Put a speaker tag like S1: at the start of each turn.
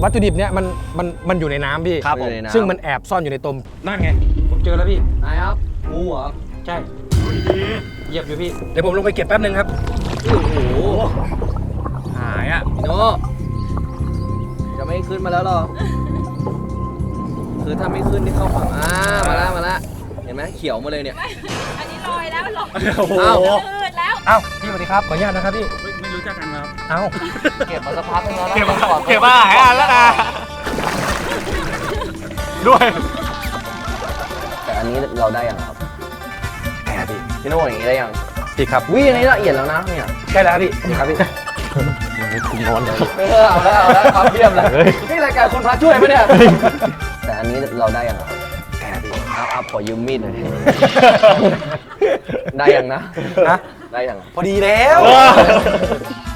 S1: วัตถุดิบเนี่ยมันอยู่ในน้ำพี่
S2: ครับผม
S1: ซึ่งมันแอบซ่อนอยู่ในตมนั่นไงผมเจอแล้วพี่
S2: ไหนครับงูเหรอ
S1: ใช่เหยียบอยู่พี่เดี๋ยวผมลงไปเก็บแป๊บนึงครับ
S2: โอ้โห
S1: หายอ่ะ
S2: พี่โน่จะไม่ขึ้นมาแล้วหรอคือถ้าไม่ขึ้นนี่เข้าฝั่งมาละเห็นไหมเขียวมาเลยเนี่ย
S3: อันนี้ลอยแล้วลอย
S1: โอ้โห
S3: อืดแล้ว
S1: เอ้าพี่สวัสดีครับขออนุญาตนะครับพี่
S4: ไม่รู้จักกันครับ
S1: เอ้า
S2: เก็บมาสักพักนึงแล้วนะ
S1: เก็บมาหายอันแล้วนะด้วย
S2: แต่อันนี้เราได้ยังครับ
S1: แอบพี่
S2: พี่โน่อย่างนี้ได้ยัง
S1: พี่ครับ
S2: วิอันนี้ละเอียดแล้วนะเนี่ย
S1: ใช่แล้วพี่
S2: ครับพี่
S1: คุณนอน
S2: เอาแล้วความเยี่ยมเลยนี่รายการคนพระช่วยปะเนี่ย แต่อันนี้เราได้ยังครับ
S1: แอบพี่
S2: เอาขอยืมมีดหน่อย ได้ยังนะ
S1: ฮะ
S2: ได้ยัง
S1: พอดีแล้ว